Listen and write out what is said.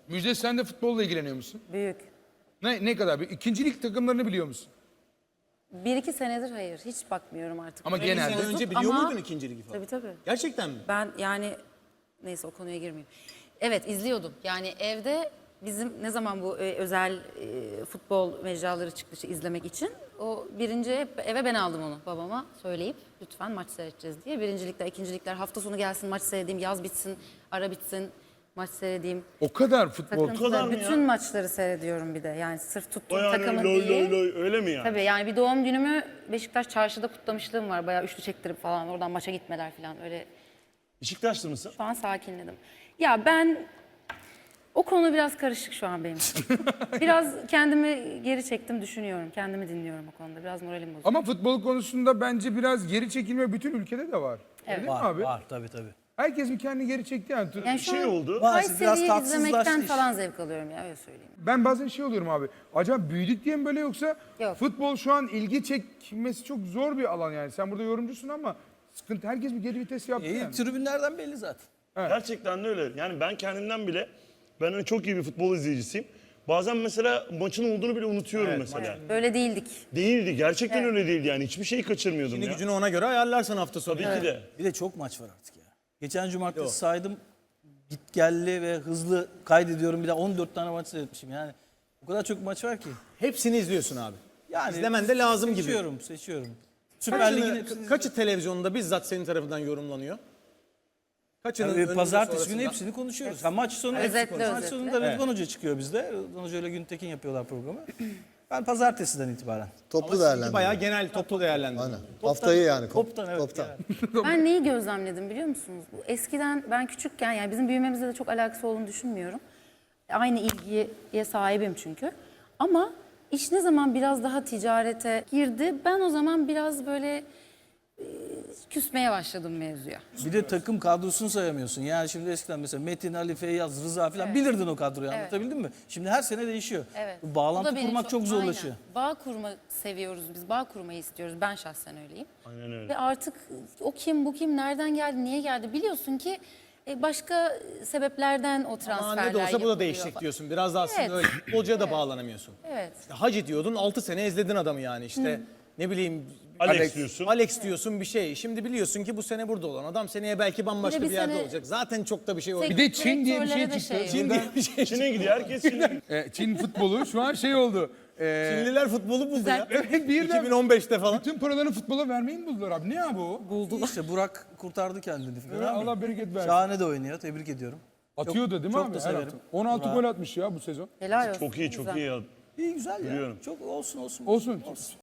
Müjde, sen de futbolla ilgileniyor musun? Büyük. Ne kadar? İkinci lig takımlarını biliyor musun? 1-2 senedir hayır. Hiç bakmıyorum artık. Ama Böyle genelde- bozuk Önce biliyor ama- muydun ikinci ligi falan? Tabii tabii. Gerçekten mi? Ben yani neyse o konuya girmeyeyim. Evet izliyordum. Yani evde bizim ne zaman bu özel futbol mecraları çıktı işte izlemek için. O birinci eve ben aldım onu babama söyleyip lütfen maç seyredeceğiz diye. Birincilikler, ikincilikler hafta sonu gelsin maç seyredeyim, yaz bitsin, ara bitsin maç seyredeyim. O kadar futbol. Takımda bütün maçları seyrediyorum bir de. Yani sırf tuttuğum Yani takımın loy değil. loy loy öyle mi yani? Tabii yani bir doğum günümü Beşiktaş çarşıda kutlamışlığım var. Bayağı üçlü çektirip falan oradan maça gitmeler falan öyle. Beşiktaşlı mısın? Şu an sakinledim. Ya ben o konu biraz karışık şu an benim için. Biraz kendimi geri çektim düşünüyorum. Kendimi dinliyorum o konuda. Biraz moralim bozuldu. Ama futbol konusunda bence biraz geri çekilme bütün ülkede de var. Evet. Değil mi Var, abi? var tabii tabii. Herkes bir kendini geri çekti yani. Yani şu Şey an oldu. Var, biraz Kayseri'yi tatsızlaştı izlemekten iş. falan zevk alıyorum ya öyle söyleyeyim. Ben bazen şey oluyorum abi. Acaba büyüdük diye mi böyle yoksa Yok. futbol şu an ilgi çekmesi çok zor bir alan yani. Sen burada yorumcusun ama sıkıntı, herkes bir geri vites yaptı yani. Tribünlerden belli zaten. Gerçekten de öyle. Yani ben kendimden bile, ben hani çok iyi bir futbol izleyicisiyim. Bazen mesela maçın olduğunu bile unutuyorum mesela. Öyle değildik. Değildi. Gerçekten öyle değildi yani. Hiçbir şeyi kaçırmıyordum Şimdi ya. gücünü ona göre ayarlarsan hafta sonu. Tabii ki de. Bir de çok maç var artık ya. Geçen cumartesi saydım. Git gelli ve hızlı kaydediyorum. Bir de 14 tane maç seyretmişim yani. O kadar çok maç var ki. Hepsini izliyorsun abi. Yani İzlemen de lazım gibi. Seçiyorum. Süper Lig'in Kaçı televizyonda bizzat senin tarafından yorumlanıyor? Kaçının önünde, pazartesi günü sonrasında? hepsini konuşuyoruz. Ha, maç sonu Özetle, maç özetle. sonunda Rıdvan Hoca çıkıyor bizde. Rıdvan Hoca ile Güntekin yapıyorlar programı. Ben pazartesiden itibaren. Toplu değerlendirme. Bayağı genel toplu değerlendirme. Aynen. Haftayı yani. Toptan evet. Toptan. yani. Ben neyi gözlemledim biliyor musunuz? Bu eskiden ben küçükken yani bizim büyümemizle de çok alakası olduğunu düşünmüyorum. Aynı ilgiye sahibim çünkü. Ama iş ne zaman biraz daha ticarete girdi ben o zaman biraz böyle küsmeye başladım mevzuya. Bir de takım kadrosunu sayamıyorsun. Yani şimdi eskiden mesela Metin, Ali, Feyyaz, Rıza falan bilirdin o kadroyu anlatabildim mi? Şimdi her sene değişiyor. Evet. Bu Bu bağlantı da beni kurmak çok zorlaşıyor. Aynen. Bağ kurma seviyoruz biz. Bağ kurmayı istiyoruz. Ben şahsen öyleyim. Aynen öyle. Ve artık o kim, bu kim, nereden geldi, niye geldi biliyorsun ki başka sebeplerden o transferler Ama ne de olsa bu da yapılıyor değişecek falan. diyorsun. Biraz da aslında Evet. öyle. Futbolcuya da bağlanamıyorsun. Evet. Hacı diyordun 6 sene izledin adamı yani işte. Ne bileyim Alex diyorsun. Alex diyorsun bir şey. Şimdi biliyorsun ki bu sene burada olan adam seneye belki bambaşka Bir de bir bir yerde sene- olacak. Zaten çok da bir şey olmuyor. Bir de Çin diye bir şey Direktörlere de çıktı. şey Çin diye bir şey. Çin'e gidiyor. Herkes Çin'e. Çin futbolu şu an şey oldu. Çinliler futbolu buldu ya. Evet, birden 2015'te falan. bütün paralarını futbola vermeyi mi buldular abi? Ne abi o? İşte Burak kurtardı kendini falan. Evet, Allah bereket versin. Şahane de oynuyor. Tebrik ediyorum. Atıyordu değil mi çok abi? da Her severim. hafta. 16 Burak. gol atmış ya bu sezon. Helal olsun. Çok iyi, çok Güzel. iyi ya. İyi güzel ya. Biliyorum. Çok olsun. Olsun.